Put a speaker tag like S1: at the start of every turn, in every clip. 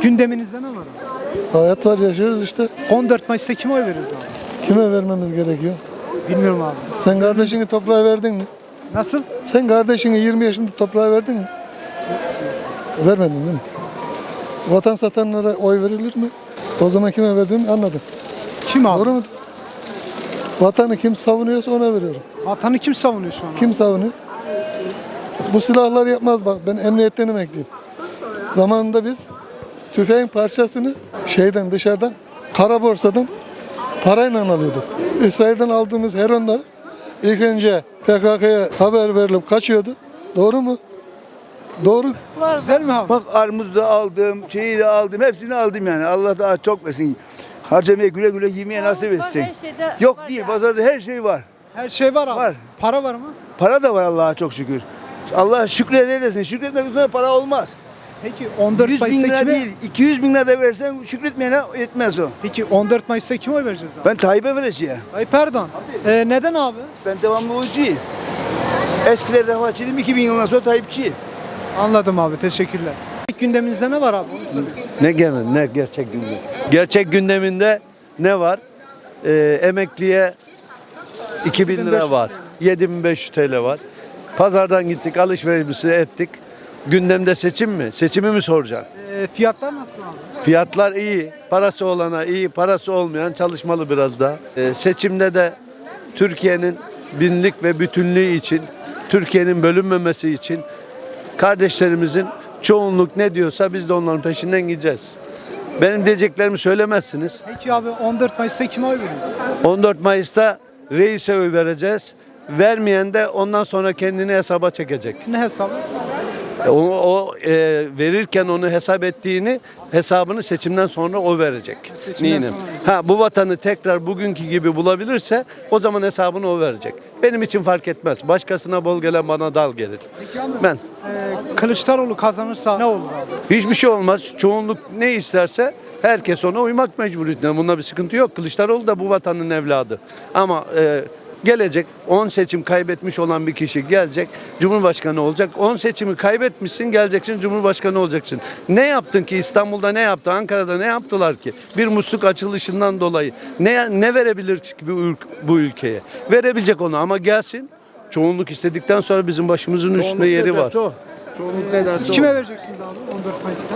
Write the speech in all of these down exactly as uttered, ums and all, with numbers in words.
S1: Gündeminizde ne var abi?
S2: Hayat var, yaşıyoruz işte.
S1: on dört Mayıs'ta kime oy veririz abi?
S2: Kime vermemiz gerekiyor?
S1: Bilmiyorum abi.
S2: Sen kardeşini toprağa verdin mi?
S1: Nasıl?
S2: Sen kardeşini yirmi yaşında toprağa verdin mi? Vermedin değil mi? Vatan satanlara oy verilir mi? O zaman kime verdiğimi anladım.
S1: Kim abi?
S2: Doğru mu? Vatanı kim savunuyorsa ona veriyorum.
S1: Vatanı kim savunuyor şu an abi?
S2: Kim savunuyor? Bu silahlar yapmaz bak. Ben emniyetten emekliyim. Zamanında biz tüfeğin parçasını şeyden dışarıdan kara borsadan parayla alıyorduk. İsrail'den aldığımız heronlar ilk önce P K K'ya haber verilip kaçıyordu. Doğru mu? Doğru.
S1: Güzel mi abi?
S3: Bak armudu da aldım, şeyi de aldım, hepsini aldım yani. Allah daha çok versin. Harcamaya güle güle yemeye nasip etsin.
S4: Her şeyde
S3: Yok
S4: var
S3: değil,
S4: ya.
S3: pazarda her şey var.
S1: Her şey var abi.
S3: Var.
S1: Para var mı?
S3: Para da var Allah'a çok şükür. Allah şükredersin. Şükretmek üzere para olmaz.
S1: Peki on dört
S3: yüz bin
S1: Mayıs'ta
S3: lira
S1: kime?
S3: değil, iki yüz bin lira da versen şükretmeyene yetmez o.
S1: Peki on dört Mayıs'ta kime oy vereceğiz abi?
S3: Ben Tayyip'e vereceğim.
S1: Tayyip Erdoğan. Ee, neden abi?
S3: Ben devamlı oyuncuyum. Eskiler defaçıydım, iki bin yılından sonra Tayyipçiyim.
S1: Anladım abi. Teşekkürler. İlk gündeminizde ne var abi? Onu soruyorum.
S5: Ne gene ne gerçek gündem. Gerçek gündeminde ne var? Ee, emekliye iki bin lira var. yedi bin beş yüz T L var. Pazardan gittik, alışverişimizi ettik. Gündemde seçim mi? Seçimi mi soracaksın?
S1: Ee, fiyatlar nasıl abi?
S5: Fiyatlar iyi. Parası olana iyi, parası olmayan çalışmalı biraz daha. Ee, seçimde de Türkiye'nin binlik ve bütünlüğü için, Türkiye'nin bölünmemesi için kardeşlerimizin çoğunluk ne diyorsa biz de onların peşinden gideceğiz. Benim diyeceklerimi söylemezsiniz.
S1: Peki abi on dört Mayıs'ta kime oy veririz?
S5: on dört Mayıs'ta reise oy vereceğiz. Vermeyen de ondan sonra kendini hesaba çekecek.
S1: Ne hesabı?
S5: O, o e, verirken onu hesap ettiğini hesabını seçimden sonra o verecek.
S1: Seçimden
S5: Neyine?
S1: sonra verecek.
S5: Ha bu vatanı tekrar bugünkü gibi bulabilirse o zaman hesabını o verecek. Benim için fark etmez. Başkasına bol gelen bana dal gelir.
S1: Peki abi.
S5: Ben
S1: Ee, Kılıçdaroğlu kazanırsa ne olur abi?
S5: hiçbir şey olmaz. Çoğunluk ne isterse herkes ona uymak mecburiyetinde. Bunda bir sıkıntı yok. Kılıçdaroğlu da bu vatanın evladı. Ama e, gelecek on seçim kaybetmiş olan bir kişi gelecek Cumhurbaşkanı olacak. on seçimi kaybetmişsin geleceksin Cumhurbaşkanı olacaksın. Ne yaptın ki İstanbul'da ne yaptı? Ankara'da ne yaptılar ki? Bir musluk açılışından dolayı ne ne verebilir ki bu, ülk- bu ülkeye? Verebilecek onu ama gelsin. Çoğunluk istedikten sonra bizim başımızın üstünde yeri var.
S1: Siz kime vereceksiniz abi on dört Mayıs'ta?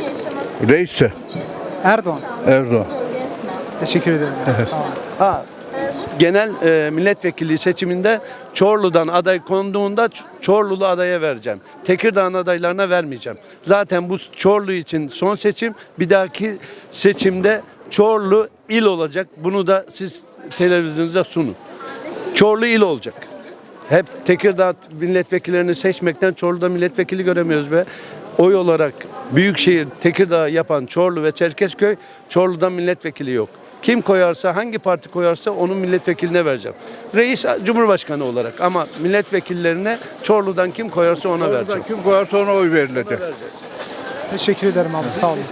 S6: Reis'e
S1: Erdoğan.
S6: Erdoğan.
S1: Teşekkür ederim. Sağ olun.
S5: Ha, genel e, milletvekili seçiminde Çorlu'dan aday konduğunda Ç- Çorlulu adaya vereceğim. Tekirdağ'ın adaylarına vermeyeceğim. Zaten bu Çorlu için son seçim. Bir dahaki seçimde Çorlu il olacak. Bunu da siz televizyonunuzda sunun. Çorlu il olacak. Hep Tekirdağ milletvekillerini seçmekten Çorlu'da milletvekili göremiyoruz be. Oy olarak Büyükşehir, Tekirdağ yapan Çorlu ve Çerkezköy, Çorlu'dan milletvekili yok. Kim koyarsa, hangi parti koyarsa onun milletvekiline vereceğim. Reis Cumhurbaşkanı olarak ama milletvekillerine Çorlu'dan kim koyarsa ona vereceğim.
S6: Kim koyarsa ona oy verilecek.
S1: Teşekkür ederim abi. Sağ olun.